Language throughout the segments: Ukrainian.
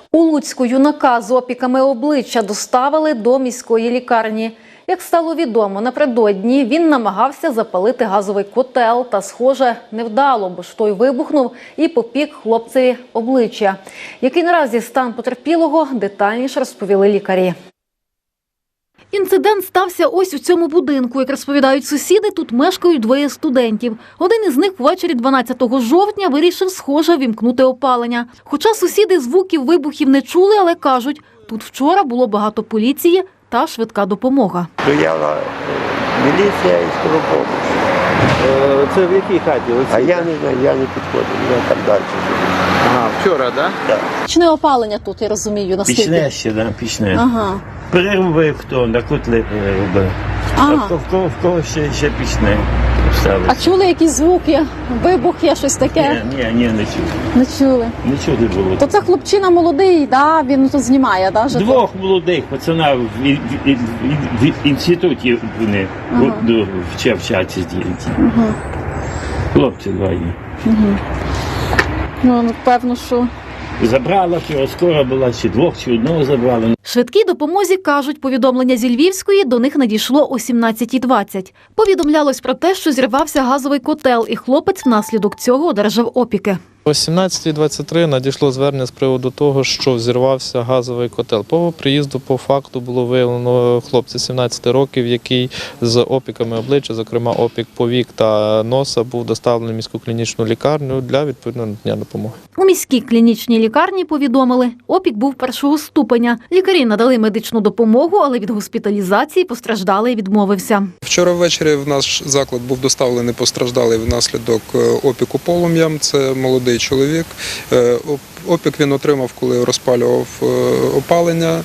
У Луцьку юнака з опіками обличчя доставили до міської лікарні. Як стало відомо, напередодні він намагався запалити газовий котел та, схоже, невдало, бо ж той вибухнув і попік хлопцеві обличчя. Який наразі стан потерпілого, детальніше розповіли лікарі. Інцидент стався ось у цьому будинку. Як розповідають сусіди, тут мешкають двоє студентів. Один із них ввечері 12 жовтня вирішив, схоже, вімкнути опалення. Хоча сусіди звуків вибухів не чули, але кажуть, тут вчора було багато поліції та швидка допомога. Стояла міліція і скору допомогу. Це в якій хаті? А я не знаю, я не підходив, я там далі. Ага, вчора, так? Так. Пічне опалення тут, я розумію, наскільки? Пічне ще, да, пічне. Ага. Переробив хто, на котли переробив. Ага. А в кого ще пічне ставить. А чули якісь звуки, вибух є, щось таке? Ні, не чув. Не чули. Нічого не було. То це хлопчина молодий, да? Він тут знімає, да? житло? Двох молодих пацана в інституті вони вчаться діти. Хлопці двоє. Ну, певно, що... Забрала, вчора скоро була, чи двох, чи одного забрала. Швидкій допомозі, кажуть, повідомлення зі Львівської до них надійшло о 17:20. Повідомлялось про те, що зірвався газовий котел, і хлопець внаслідок цього одержав опіки. О 17:23 надійшло звернення з приводу того, що взірвався газовий котел. По приїзду по факту було виявлено хлопця 17 років, який з опіками обличчя, зокрема опік повік та носа, був доставлений в міську клінічну лікарню для відповідного надання допомоги. У міській клінічній лікарні повідомили, опік був першого ступеня. Лікарі надали медичну допомогу, але від госпіталізації постраждалий відмовився. Вчора ввечері в наш заклад був доставлений постраждалий внаслідок опіку полум'ям. Це молодий чоловік. Опік він отримав, коли розпалював опалення.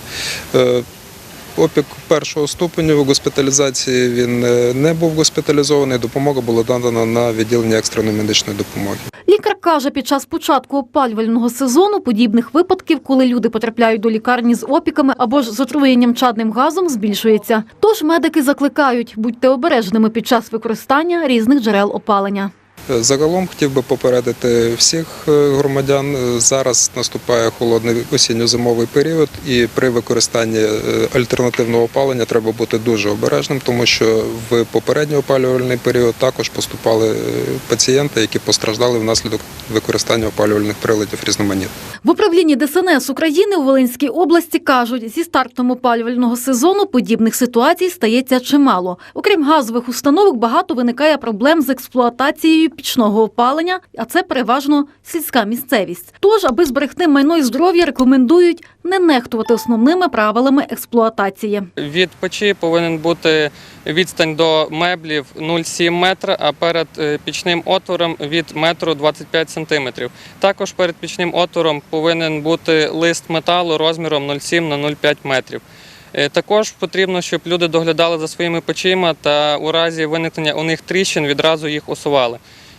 Опік першого ступеню, в госпіталізації він не був госпіталізований, допомога була надана на відділення екстреної медичної допомоги. Лікар каже, під час початку опалювального сезону подібних випадків, коли люди потрапляють до лікарні з опіками або ж з отруєнням чадним газом, збільшується. Тож медики закликають, будьте обережними під час використання різних джерел опалення. Загалом хотів би попередити всіх громадян, зараз наступає холодний осінньо-зимовий період і при використанні альтернативного опалення треба бути дуже обережним, тому що в попередній опалювальний період також поступали пацієнти, які постраждали внаслідок використання опалювальних приладів різноманітних. В управлінні ДСНС України у Волинській області кажуть, зі стартом опалювального сезону подібних ситуацій стається чимало. Окрім газових установок, багато виникає проблем з експлуатацією пічного опалення, а це переважно сільська місцевість. Тож, аби зберегти майно і здоров'я, рекомендують не нехтувати основними правилами експлуатації. Від печі повинен бути відстань до меблів 0,7 метра, а перед пічним отвором від 1,25 сантиметрів. Також перед пічним отвором повинен бути лист металу розміром 0,7 на 0,5 метрів. Також потрібно, щоб люди доглядали за своїми печима та у разі виникнення у них тріщин відразу їх усували.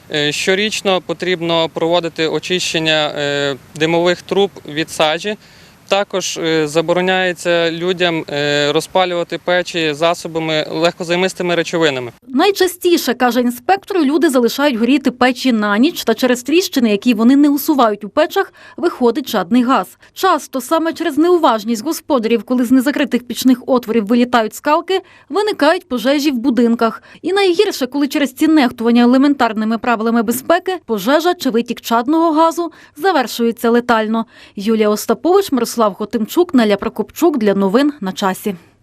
Щорічно потрібно проводити очищення димових труб від сажі. Також забороняється людям розпалювати печі засобами легкозаймистими речовинами. Найчастіше, каже інспектор, люди залишають горіти печі на ніч, та через тріщини, які вони не усувають у печах, виходить чадний газ. Часто саме через неуважність господарів, коли з незакритих пічних отворів вилітають скалки, виникають пожежі в будинках. І найгірше, коли через ці нехтування елементарними правилами безпеки пожежа чи витік чадного газу завершується летально. Юлія Остапович, Мирослав Хотимчук, Неля Прокопчук для новин на часі.